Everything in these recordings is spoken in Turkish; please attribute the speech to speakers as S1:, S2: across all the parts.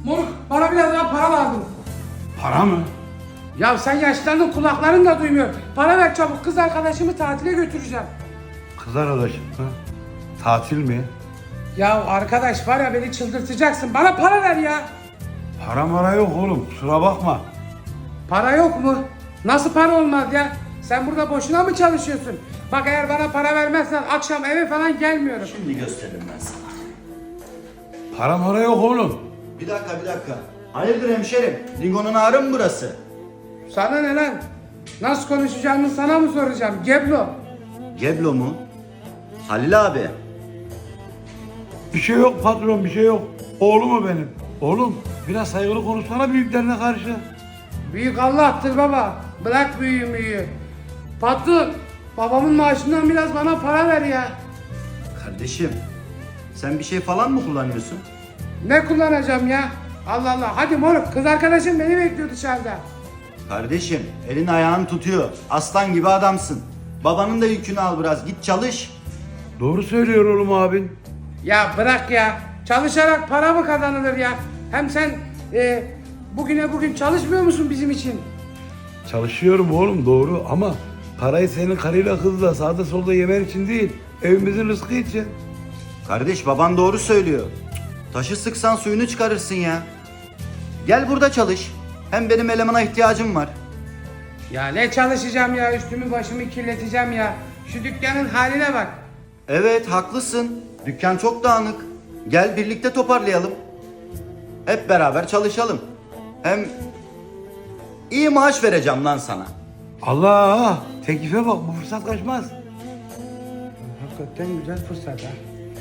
S1: Moruk bana biraz daha para lazım.
S2: Para mı?
S1: Ya sen yaşlandın kulakların da duymuyor. Para ver çabuk kız arkadaşımı tatile götüreceğim.
S2: Kız arkadaşım ha? Tatil mi?
S1: Ya arkadaş var ya beni çıldırtacaksın. Bana para ver ya.
S2: Para mara yok oğlum, kusura bakma.
S1: Para yok mu? Nasıl para olmaz ya? Sen burada boşuna mı çalışıyorsun? Bak eğer bana para vermezsen akşam eve falan gelmiyorum.
S3: Şimdi gösteririm ben sana.
S2: Para mara yok oğlum.
S3: Bir dakika. Hayırdır hemşerim? Lingo'nun ağrı mı burası?
S1: Sana ne lan? Nasıl konuşacağımı sana mı soracağım? Geblo.
S3: Geblo mu? Halil abi.
S2: Bir şey yok patron, bir şey yok. Oğlum o benim. Oğlum, biraz saygılı konuşsana büyüklerine karşı.
S1: Büyük Allah'tır baba. Bırak büyüğü. Patron, babamın maaşından biraz bana para ver ya.
S3: Kardeşim, sen bir şey falan mı kullanıyorsun?
S1: Ne kullanacağım ya? Allah Allah. Hadi moruk kız arkadaşım beni bekliyor dışarıda.
S3: Kardeşim, elin ayağın tutuyor. Aslan gibi adamsın. Babanın da yükünü al biraz. Git çalış.
S2: Doğru söylüyor oğlum abin.
S1: Ya bırak ya. Çalışarak para mı kazanılır ya? Hem sen bugüne bugün çalışmıyor musun bizim için?
S2: Çalışıyorum oğlum doğru ama parayı senin karıyla kızla sağda solda yemen için değil, evimizin rızkı için.
S3: Kardeş, baban doğru söylüyor. Taşı sıksan suyunu çıkarırsın ya. Gel burada çalış. Hem benim elemana ihtiyacım var.
S1: Ya ne çalışacağım ya? Üstümü başımı kirleteceğim ya. Şu dükkanın haline bak.
S3: Evet, haklısın. Dükkan çok dağınık. Gel birlikte toparlayalım. Hep beraber çalışalım. Hem iyi maaş vereceğim lan sana.
S2: Allah! Teklife bak, bu fırsat kaçmaz.
S1: Hakikaten güzel fırsat ha.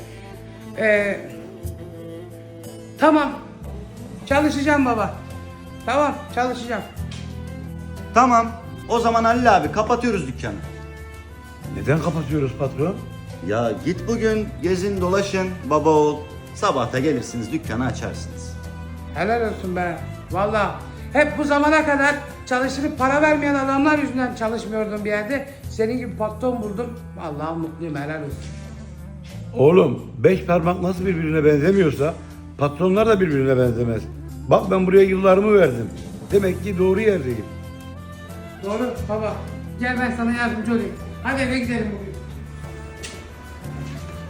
S1: Tamam. Çalışacağım baba. Tamam çalışacağım.
S3: Tamam. O zaman Halil abi kapatıyoruz dükkanı.
S2: Neden kapatıyoruz patron?
S3: Ya git bugün gezin dolaşın baba oğul. Sabah da gelirsiniz dükkanı açarsınız.
S1: Helal olsun be. Vallahi hep bu zamana kadar çalıştırıp para vermeyen adamlar yüzünden çalışmıyordum bir yerde. Senin gibi patron buldum. Vallahi mutluyum helal olsun.
S2: Oğlum, 5 parmak nasıl birbirine benzemiyorsa patronlar da birbirine benzemez. Bak ben buraya yıllarımı verdim. Demek ki doğru yerdeyim.
S1: Doğru baba. Gel ben sana yardımcı olayım. Hadi eve gidelim bugün.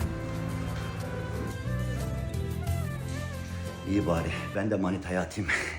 S3: İyi bari ben de manitaya atayım.